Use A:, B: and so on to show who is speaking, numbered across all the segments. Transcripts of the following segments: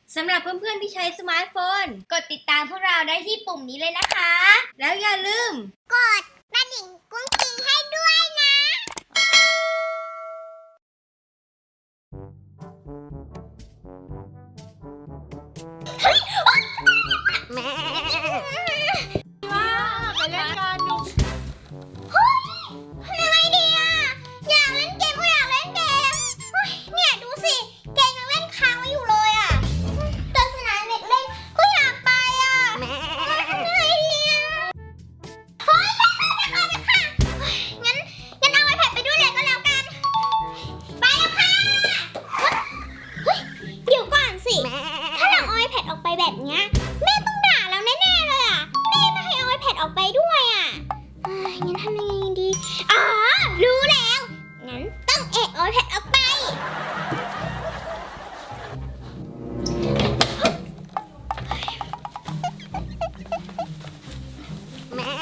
A: สำหรับเพื่อนๆที่ใช้สมาร์ทโฟนกดติดตามพวกเราได้ที่ปุ่มนี้เลยนะคะแล้วอย่าลืม
B: กดกระดิ่งกุ้งกิ้งให้ด้วยนะแม่
C: ว่าไปเล่นกันดู
B: เฮ้ยยังไงดีอ่ะอยากเล่นเกมก็อยากเล่นเกมเนี่ยดูสิเกมยังเล่นค้างไว้อยู่เลยอ่ะแต่สนามเด็กเล่นก็อยากไปอ่ะยังไงดีอ่ะเฮ้ยไปค่ะงั้นเอา iPad ไปด้วยเลยก็แล้วกันไปแล้วค่ะเฮ้ยเดี๋ยวก่อนสิถ้าเราเอา iPad ออกไปแบบเนี้ยแม่ต้องด่าเราแน่ๆเลยอ่ะแม่ไม่ให้เอา iPad ออกไปด้วยอ่ะงั้นทำยังไงดีรู้แล้วงั้นต้องเอา iPad ออกไปแม่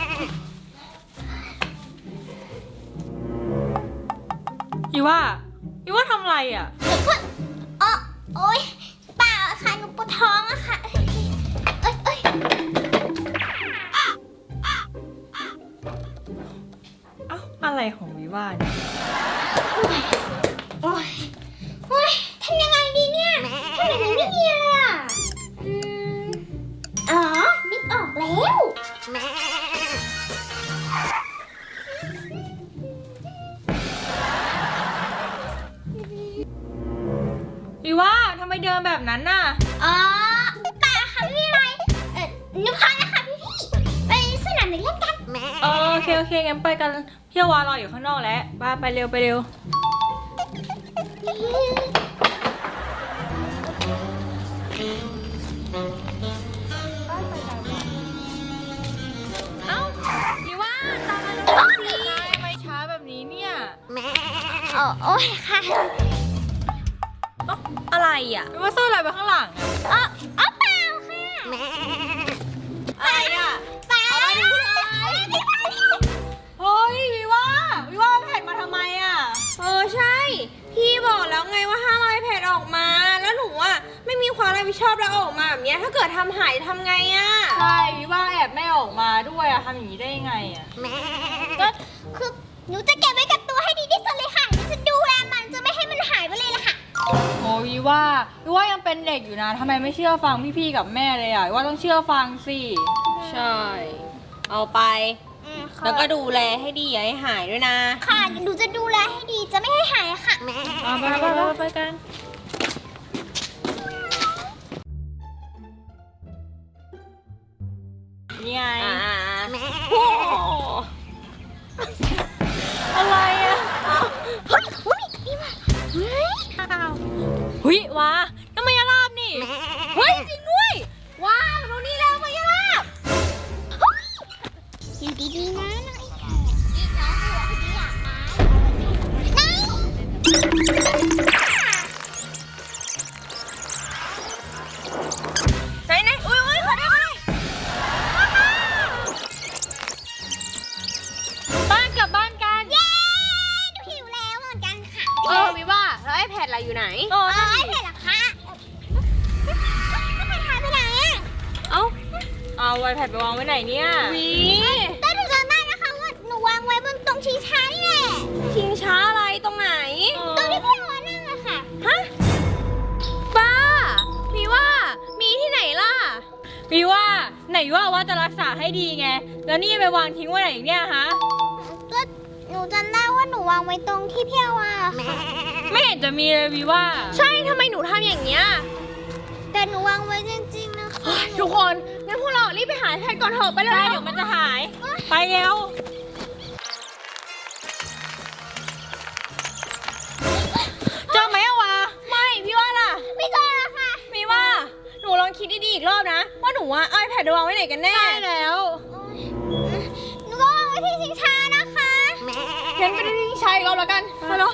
C: อีว่าทำอะไรอ่ะ
B: โอ๊ยเปล่าค่ะหนูปวดท้องอะค่ะเอ้ย
C: เอ้าอะไรของวิว่าเนี่ย
B: โอ๊ยทำยังไงดีเนี่ยทำไมถึงไม่มีเลยอ่ะนึกออกแล้ว
C: วิว่าทำไมเดินแบบนั้นน่ะ
B: เปล่าค่ะไม่มีอะไรนึกพอแล้วค่ะพี่ไปสนามเด็กเล่นกัน
C: โอเคงั้นไปกันพี่วารออยู่ข้างนอกแล้วไปเร็วเอ้าวิว่าตามมาเร็วสิทำไมช้าแบบนี้เนี่ย
B: โอ๊ยค่ะ
C: อะไรอ่ะวิว่าซ่อนอะไรไว้ข้างหลัง
B: เปล่าค่ะ
C: อะไรอ่ะ
B: เปล่า
C: เอามาดูเลยเฮ้ยวิว่าแผ่นมาทำไมอ่ะ
A: ใช่พี่บอกแล้วไงว่าห้ามเอา iPad ออกมาแล้วหนูอ่ะไม่มีความรับผิดชอบแล้วออกมาแบบเนี้ยถ้าเกิดทำหายทำไงอ่ะ
C: ใช่วิว่าแอบแม่ออกมาด้วยอะทำอย่างนี้ได้ยังไงอะ
B: ก็คือหนูจะเก็บไว้กับตัวให้ดีที่สุดเลยค่ะหนูจะดูแลมันจะไม่ให้มันหายไปเลยล่ะค่ะ
C: โอ้วิว่ายังเป็นเด็กอยู่นะทำไมไม่เชื่อฟังพี่ๆกับแม่เลยอะวิว่าต้องเชื่อฟังสิ
A: ใช่เอาไปแล้วก็ดูแลให้ดีอย่าให้หายด้วยนะ
B: ค่ะหนูจะดูแลให้ดีจะไม่ให้หายอะค่ะ
C: ไปกันนี่ไงอะไรอะเฮ้ยวะน้ำมายาลาบนี่เฮ้ยจริงด้วยว้าวดูนี่แล้วมายาลาบ
B: อยู่ดีๆนะน้อง
A: ไหนอุ้ยขอได้
C: บ้านกลับบ้านกัน
B: เย้หนูหิวแล้วเหมือนกันค่ะ
A: วิว่าแล้ว iPad อะไรอยู่ไหน
B: iPad เหรอคะiPad หายไปไหนอะ
C: เอาiPadไปวางไว้ไหนเนี่ย
B: แต่หนูจำได้นะคะว่าหนูวางไว้บนตรงชิงช้านี่แหละ
A: ชิงช้าอะไรตรงไหน
B: ตรงที่พี่วานั่งอะค่ะ
A: ฮะบ้ามีว่ามีที่ไหนล่ะ
C: วิว่าไหนว่าจะรักษาให้ดีไงแล้วนี่ไปวางทิ้งไว้ไหนเนี่ยฮะ
B: ก็หนูจำได้ว่าหนูวางไว้ตรงที่พี่วา
C: ไม่เห็นจะมีเลยวิว่า
A: ใช่ทำไมหนูทำอย่างเนี้ย
B: แต่หนูวางไว้จริงๆนะคะ
A: ทุกคนงั้นพวกเรารีบไปหาแพทย์ก่อนเถอะไปเลย
C: เดี๋ยวมันจะหายไปเร็วเจอไหมอะวะ
A: ไม่พี่ว่าล่ะ
B: ไม่เจอแล้วค่ะ
A: มีว่าหนูลองคิดดีๆอีกรอบนะว่าหนูว่าเอา iPad วางไว้ไหนกันแน่
C: ใช่แล้ว
B: หนูก็วางไว้ที่ชิงช้านะคะ
A: งั้นไปที่ชิงช้าอีกรอบแล้วกันไปเนาะ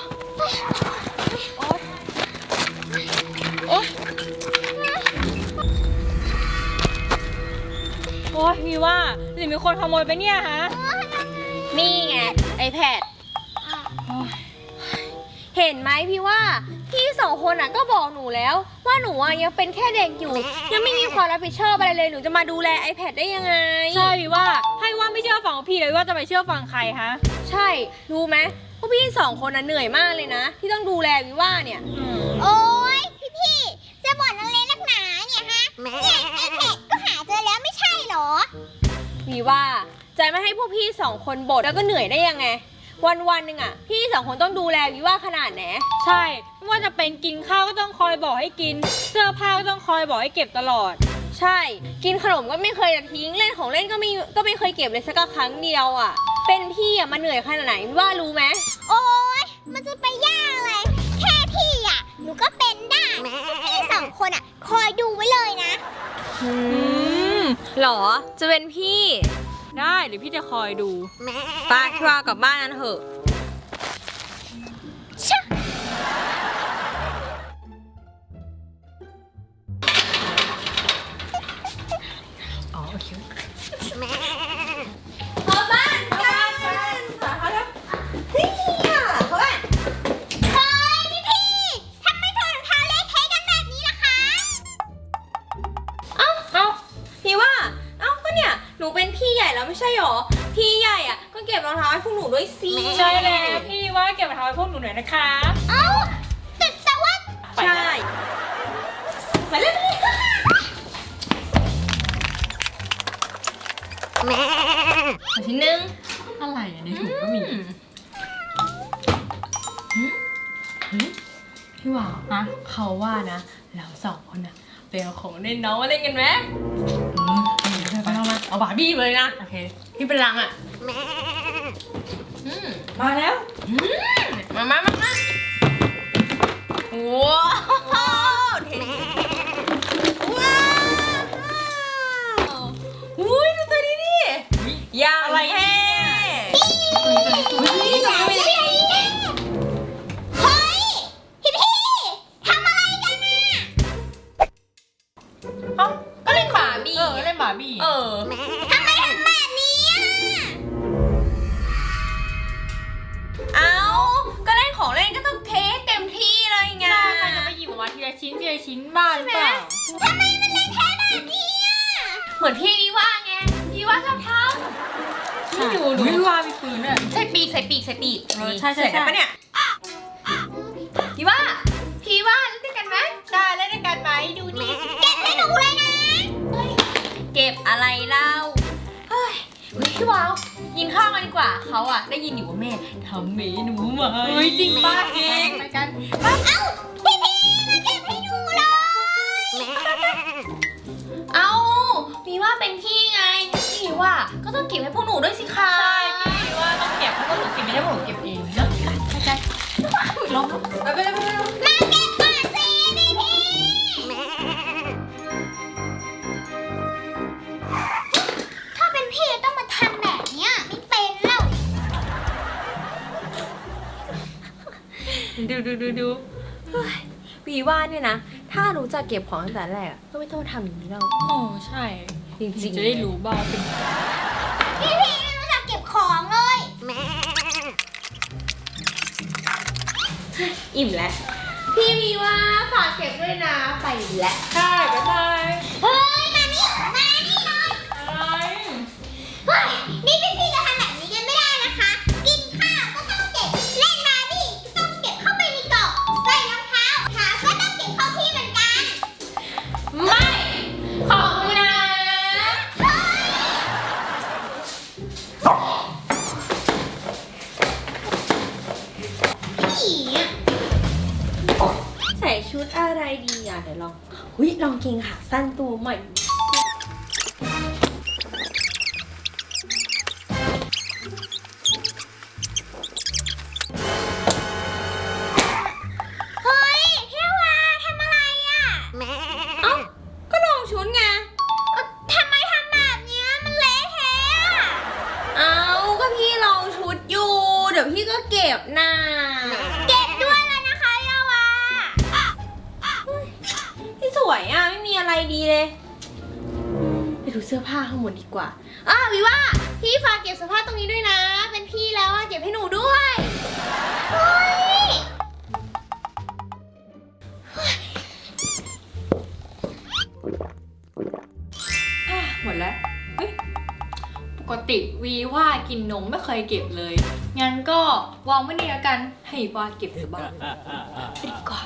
C: โอ๊ยมีว่าหรือมีคนขโมยไปเนี่ยฮะ
A: นี่ไง iPad เห็นไหมพี่ว่าพี่สองคนอ่ะก็บอกหนูแล้วว่าหนูอ่ะยังเป็นแค่เด็กอยู่ ยังไม่มีความรับผิดชอบอะไรเลยหนูจะมาดูแล iPad ได้ยังไง
C: ใช่วิว่าให้ว่าไม่เชื่อฟังพี่เลยว่าจะไปเชื่อฟังใครฮะ
A: ใช่รู้ไหมพวกพี่สองคนน่ะเหนื่อยมากเลยนะ ที่ต้องดูแลวิว่าเนี่ย
B: โอ๊ยพี่จะบ่นอะไรนักหนาเนี่ยฮะเนี่ยไอแพดก็หาเจอแล้วไม่ใช่เหรอ
A: วิว่าจะไม่ให้พวกพี่สองคนบ่นแล้วก็เหนื่อยได้ยังไง วันหนึ่งอ่ะพี่สองคนต้องดูแลวิว่าขนาดไหน
C: ใช่ไม่ว่าจะเป็นกินข้าวก็ต้องคอยบอกให้กิน เสื้อผ้าก็ต้องคอยบอกให้เก็บตลอด
A: ใช่ กินขนมก็ไม่เคยจะทิ้งเล่นของเล่นก็ไม่เคยเก็บเลยสักครั้งเดียวอ่ะ เป็นพี่อ่ะมาเหนื่อยขนาดไหนวิว่ารู้ไหม
B: โอ๊ยมันจะไปยากอะไรแค่พี่อ่ะหนูก็เป็นได้พี่สองคนอ่ะคอยดูไว้เลยนะ
A: หรอจะเป็นพี่
C: ได้หรือพี่จะคอยดู
A: ป้าพี่ว่ากลับบ้านกันเถอะ
C: อ๋อโอเค
A: ขอบ้านกันเฮ้ยอ่ะขอบ้าน
B: เฮ้ยพี่ทำไมถอดรองเท้าเละเทะกันแบบนี้ล่ะคะ
A: เอ้าพี่ว่าเอ้าก็เนี่ยหนูเป็นพี่ใหญ่แล้วไม่ใช่หรอพี่ใหญ่อ่ะก็เก็บรองเท้าให้พวกหนูด้วยสิ
C: ใช่แล้วพี่ว่าเก็บรองเท้าให้พวกหนูหน่อยนะคะ
B: เอ้าแต่ว่า
A: ใช่ไปเลยเอาชิ้นหนึง
C: อะไรอ่ะในถุงก็มีพี่ว่าฮะเขาว่านะเราสองคนอะไปเอาของเล่นน้องมาเล่นกันไหมไปเอามาเอาบาร์บี้เลยนะโอเคที่เป็นรังอะมาแล้วมา
A: ว้าวเท่ว้าวอุ้ยดูตัวนี้ดิอย่าง
C: อะไร
A: เท่
B: เฮ้ยพี่ทำอะไรกันน่ะ
C: เอ้า
A: ก็เล่นบาร์บี้
C: เล่นบาร์บี้
B: ทำไมทำแบบนี้อ่ะ
A: เอาก็เล่นของเล่นก็ต้องเทสเต็มที่เลยไง
C: ใครจะไปหยิบออกมาทีละชิ้นบ้านหรือเปล่า
B: ทำไมมันเละเทะแบบนี้อ่ะ
A: เหมือนพี่วิว่าไงพี่ว่าชอบท
C: ไม่ดูหนูพี่ว่ามีปืนอ่ะ
A: ำใส่ปีกใส่ปีก
C: เออใช่
A: ได้ปะเนี่ยพี่ว่าเล่นด้วยกันไหม
C: ได้เล่นด้วยกันไหมดูดิ
B: เก็บให้หนูเลยนะ
A: เก็บอะไรเล่าเฮ้ยพี่วาวกินข้าวกันดีกว่าเขาอะได้ยินอยู่ว่าแม่ทำเมนูใหม่
C: เฮ้ยจริงป้าจริงไปกัน
B: เอ้าพี่มาเก็บให้หนูเลย
A: เอาพี่ว่าเป็นพี่ไงพี่ว่าก็ต้องเก็บให้พวกหนูด้วยสิคะ
C: ใช่พี่ว่าต้องเก็บเพราะว่าหนูเก็บไม่ได้เพราะหนูเก็บเองเนาะเข้าใจลง
A: ไปเลย
B: มาเก็บก่อนสิพี่ถ้าเป็นพี่ต้องมาทำแบบเนี้ยไม่เป็นแล้ว
A: ดูพี่ว่าเนี่ยนะถ้ารู้จักเก็บของตั้งแต่แรกอะก็ไม่ต้องทำอย่างนี้แล้ว
C: โอ้ใช่
A: จริงๆ
C: จะได้รู้บ้างว่าเป็น
B: พี่ไม่รู้จักเก็บของเลย
A: อิ่มแล้ว พี่วีว่าฝากเก็บด้วยนะไปแล้ว
C: ใช่บ๊ายบาย
B: เฮ้ยมานี่เลย
C: อะไร
B: เฮ้ยนี่พี่จะทำแบบนี้กันไม่ได้นะคะ กินข้าวก็ต้องเก็บ เล่นบาร์บี้ก็ต้องเก็บเข้าไปในกล่องใส่รองเท้าก็ต้องเก็บเข้าที่เหมือนกัน
A: ไม่ขอบคุณนะ
B: พี่อะ
A: ใส่ชุดอะไรดีอ่ะเดี๋ยวลองลองเกงขาสั้นตัวใหม่
B: เฮ้ยพี่วาทำอะไรอ่ะ
A: เอ้าก็ลองชุดไง
B: ทำไมทำแบบเนี้ยมันเละเทะอะ
A: เอ้าก็พี่ลองชุดอยู่ เดี๋ยวพี่ก็เก็บน่ะ
B: เก็บด้วยเลยนะคะยาวา
A: พี่สวยอ่ะไม่มีอะไรดีเลยไปดูเสื้อผ้าข้างบนดีกว่าวิว่าพี่ฝากเก็บเสื้อผ้าตรงนี้ด้วยนะ เป็นพี่แล้วอ่ะเก็บให้หนูด้วย
B: เฮ้ย
D: ติวีว่ากินนมไม่เคยเก็บเลย งั้นก็วางไว้นี่แล้วกัน ให้ว่าเก็บซะบ้างดีกว่า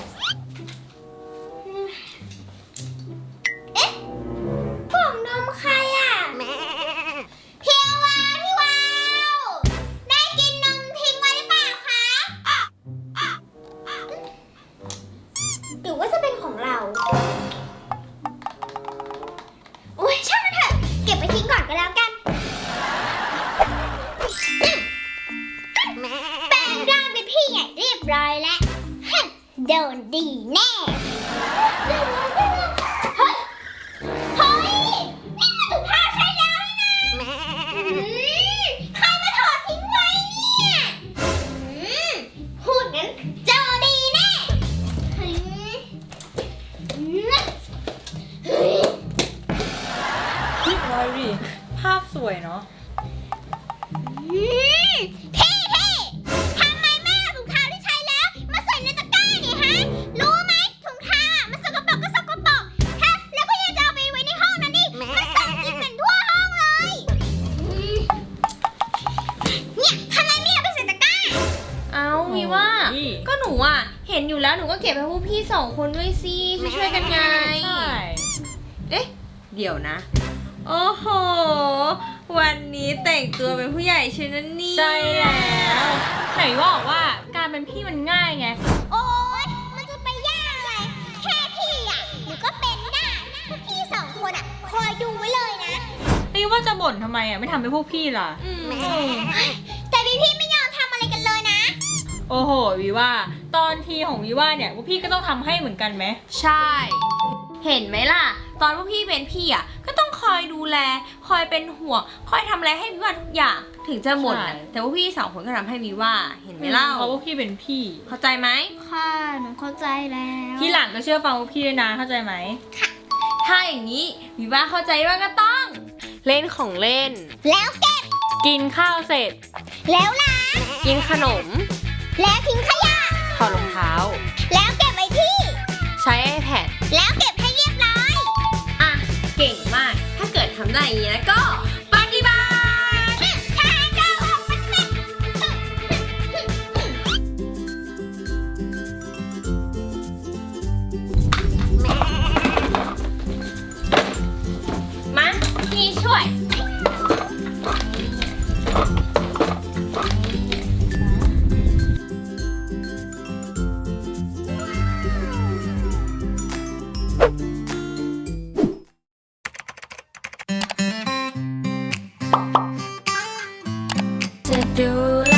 B: กล่องนมใครอ่ะพี่วาพี่วาวได้กินนมทิ้งไว้หรือเปล่าคะหรือว่าจะเป็นของเราโอ้ยช่างมันเถอะเก็บไปทิ้งก่อนก็แล้วกันแปลงร่างเป็นพี่ใหญ่เรียบร้อยแล้วโดนดีแน่เฮ้ย เฮ้ย นี่มันถุงผ้าใช้แล้วนี่นะใครมาถอดทิ้งไว้เนี่ยพูดงั้นเจอดีแน่เฮ้ย
D: วายดิภาพสวยเนาะ
B: พี่ทำไมแม่เอาถุงเท้าที่ใช้แล้วมาใส่ในตะกร้าเนี่ยฮะ รู้ไหมถุงเท้าอ่ะมันสกปรกก็สกปรกฮะแล้วก็ยังจะเอาไปไว้ในห้องนั้นดิมันส่งกลิ่นเหม็นทั่วห้องเลยเนี่ยทำไมไม่เอาไปใส่ตะกร้า
A: เอาวีว่า
D: โอ้ย
A: ก็หนูอ่ะ เห็นอยู่แล้วหนูก็เก็บให้พวกพี่2 คนด้วยสิช่วยๆกันไง
D: ใช่
A: เอ๊ะ เดี๋ยวนะ โอ้โห วันนี้แต่งตัวเป็นผู้ใหญ่ใช่นั่นนี่
D: ใช่แล้วไหนบอกว่าการเป็นพี่มันง่ายไง
B: โอ๊ย มันจะไปยากอะไร แค่พี่อ่ะหนูก็เป็นได้พวกพี่2 คนอ่ะ คอยดูไว้เลยนะ
D: นี่ว่าจะบ่นทำไมอ่ะ ไม่ทำให้พวกพี่ล่ะ
A: อืม
B: แต่พี่ไม่ยอมทำอะไรกันเลยนะ
D: โอ้โหวีว่า ตอนทีของวีว่าเนี่ยพวกพี่ก็ต้องทำให้เหมือนกันไหม
A: ใช่ เห็นไหมล่ะ ตอนพวกพี่เป็นพี่อ่ะ ก็ต้องคอยดูแล คอยเป็นห่วง คอยทำอะไรให้วิว่าทุกอย่าง ถึงจะหมดน่ะแต่ว่าพี่2 คนก็ทำให้วิว่า เห็นไหมเล่า
D: เพราะพวกพี่เป็นพี่
A: เข้าใจไหม
B: ค่ะ หนูเข้าใจแล้ว
D: ที่หลังก็เชื่อฟังพวกพี่ด้วยนะเข้าใจไหม
A: ถ้าอย่างนี้วิว่าเข้าใจว่าก็ต้อง เล่นของเล่น
B: แล้วเก็บ
D: กินข้าวเสร็จ
B: แล้วล้าง
A: กินขนม
B: แล้วทิ้งขยะ
A: ถอดรองเท้า
B: แล้วเก็บไว้ที่
A: ใช้ iPad
B: แล้วเก็บให้เรียบร้อย
A: อ่ะ เก่งมาก ถ้าเกิดทำได้อย่างนี้แล้วก็ปฏิบัติ
B: ทหารเจ้าออกปฏิบัติ
A: มาพี่ช่วย จะดูแล